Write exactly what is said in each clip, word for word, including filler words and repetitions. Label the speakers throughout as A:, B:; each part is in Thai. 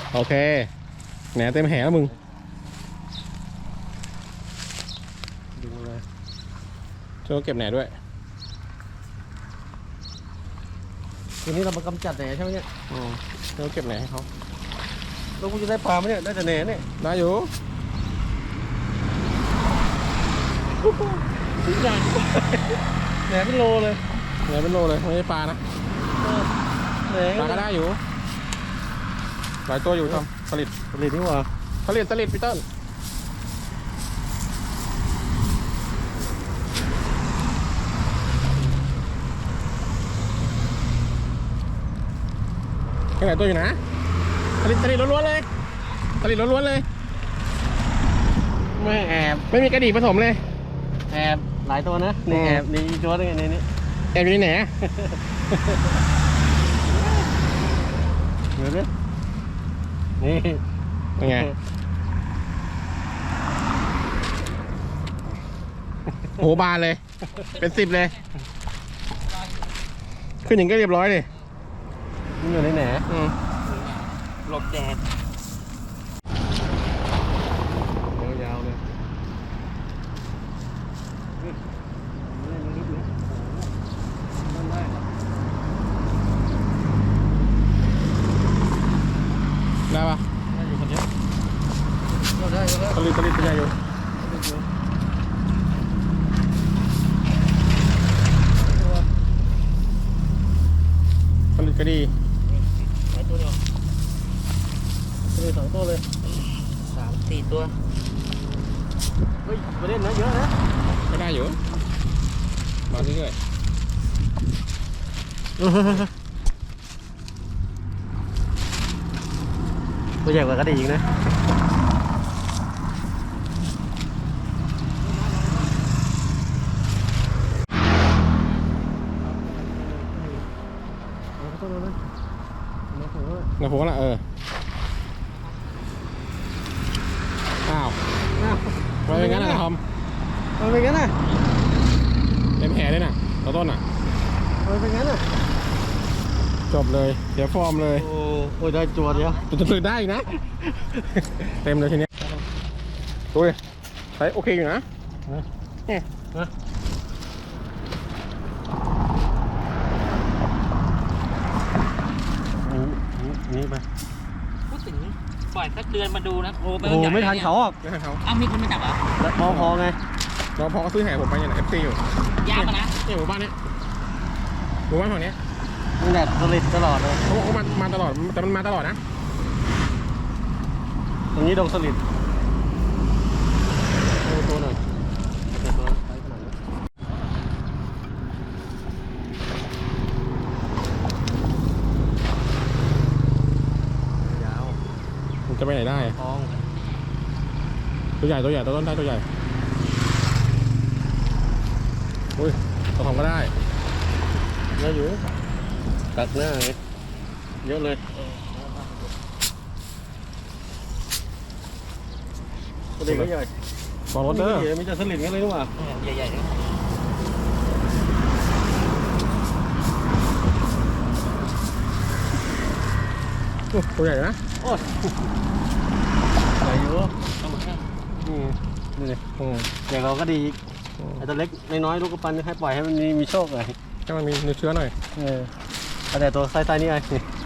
A: โอเคแหนเต็มแหแล้วมึง
B: ดึงเลย
A: ช่วยเก็บแหนด้วย
B: ทีนี้เรามากำจัดแหนใช่ไหมเนี่ย
A: อืมช่วยเก็บแหนให้เขา
B: เราคงจะได้ปลาไหมเนี่ยได้แต่แหนเนี่ย
A: ได้อยู่
B: ถึงอย่างแหนเป็นโลเลย
A: แหนเป็นโลเลยไม่ใช่ปลานะ
B: แหน
A: ปลาก็ได้อยู่หลายตัวอยู่ทำผลิต
B: ผลิตนี่หว่า
A: ผลิตผลิตพีเตอร์แค่ไหนตัวอยู่นะผลิตผลิตล้วนๆเลยผลิตล้วนๆเลย
B: ไม่แอบ
A: ไม่มีกระดิ่งผสมเลย
B: แอบหลายตัวนะนี่แอบนี่ตัวนึงในนี้
A: แอบอยู่ที่ไหน
B: เดี๋ยวดินี่
A: เป็นไงโหบานเลยเป็นสิบเลยขึ้นอย่างก็เรียบร้อยเลย
B: นี่อยู่ในแหน
A: หลบแดด
B: ยาวๆเลย
A: ได้ปะ
B: ได้อยู่คนเดียวได้ได้
A: ผลิตผลิตเป็นไงอยู่ผลิตก็ดี
B: หลายตัวเดียวผลิตสองตัวเลย
C: สามสี่ตัว
B: เฮ้ยไปเล่นนะเยอะนะ
A: ก็ได้อยู่มาเรื่อย
B: ตัวใหญ่กว่ากระดิ่งนะ
A: นะผมว่าเอออ้าวทำไมเป็นงั้นนะทอม
B: ทำไมเป็นงั้นน่ะ
A: เต็มแผลเลยน่ะตัวต้นอ่ะ
B: ทำไมเป็นงั้นน่ะ
A: จบเลยเสียฟอร์มเลย
B: โอ้โหได้ตัวเดียว
A: จะตื่นได้อีกนะเต็มเลยทีนี้ดูดิใช้โอเคอยู่นะเนี่ยนะ
B: นี่ไป
C: พูดถึงปล่อยสักเดือนมาดูนะโอ้
B: โหไม่ทันเขาอ่ะ
A: ไม่ทันเขา
C: อ้าวมีคนมาจับเหรอ
B: แล้วมอพอไง
A: เราพอเขาซื้อแห่ผมไปอย่างเอฟซีอยู่
C: ยากมานะ
A: นี่หมู่บ้านนี้หมู่บ้านฝั่งนี้
B: มันแบบผลิตตลอดเลย
A: เขาบอกเขามามาตลอดแต่มันมาตลอดนะ
B: ตรงนี้ดงสลิดตัวหน่อยตัวไซส์ขนาดนี้ยาว
A: มันจะไปไหนได้
B: ทอง
A: ตัวใหญ่ตัวใหญ่ตัวต้นได้ตัวใหญ่อุ้ยตัวทองก็ได้
B: เยอะอยู่ตักหน้าไงเยอะเลยตัวเด็กก็ใหญ่
A: ฟองรถเด้อ
B: มีจะสลิดกันเลยนี่หว่า
C: ใหญ่ๆเลย
A: ตัวใหญ่นะ
B: โอ้ยใหญ่อยู่
A: อืม
B: นี่เลยอย่างเราก็ดีไอ้ตัวเล็กน้อยๆลูกกระปันให้ปล่อยให้มันมีมีโชคเลย
A: ให้มันมีเนื้อเชื้อหน่อย
B: เออแต่ตัวไซส์ๆนี่ไง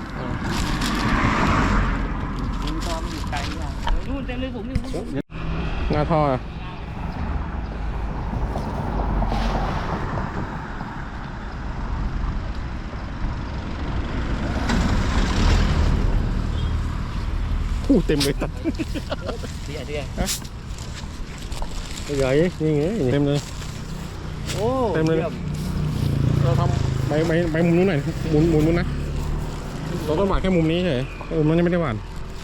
C: มีตอมอยู่ไกลอ่ะนู่นเต็มเลยผมนี่
A: หน้าท่ออู้เต็มเลยตัด
C: เดี๋ยวเดี๋ยว
B: ใหญ่นี่ไง
A: เต็มเลย
B: โอ้
A: เต็มเลยเราทำใบใบใบมุมนู้นหน่อยหมุนหมุนมุนนะเราต้องหวานแค่มุมนี้เฉยมุมนั้นยังไม่ได้หวาน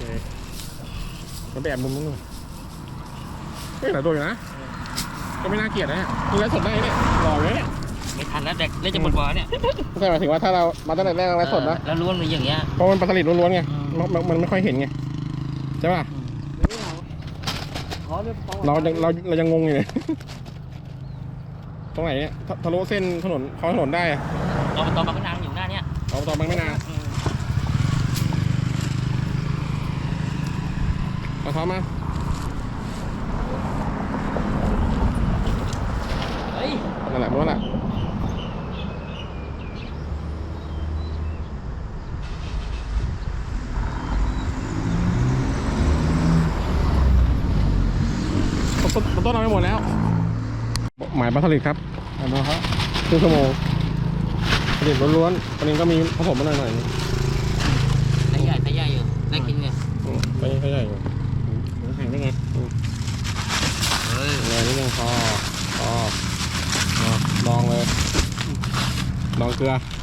A: มันแบบมุมนู้นไม่หลายตัวอยู่นะก็ไม่น่าเกลียดนะดูแลสดได้เนี่ยหล่อเลยเนี่ย
C: ไม่ทันแล้วเด็กเล่นจะหมดบ่อเนี่ย
A: ไม่ใช่หมายถึงว่าถ้าเรามาตั้งแต่แรกเราสดนะ
C: แล้วล้วนมันอย่างเงี้ย
A: เพราะมันปลาสลิดล้วนๆไงมันไม่ค่อยเห็นไงใช่ป่ะเราเราเรายังงงอยู่เลยตรงไหนเนี่ยทะลุเส้นถนนเขาถนนได้อะ
C: เอาตอนบางนางอยู่หน้าเนี่ย
A: เอาตอนบางไม่นานเอาช้อนมา
C: เฮ้ย
A: นั่นแหละมันนั่นแหละต้นต้นต้นเอาไปหมดแล้ว หมายปลาสลิดครับ
B: เอาดูครับ
A: ครึ่งชั่วโมงสลิดล้วนๆอันนี้ก็มีผสมมาหน่อยหน่อย
C: ไซส์ใหญ่ไซส์ใหญ่อยู่ได้กินเนี่ย
A: อืมไม่ไม่ใหญ่อยู่
B: แข็งได้ไง
C: เฮ้ย
A: เลยนิดนึงพอพออ่ะลองเลยลองเกลือ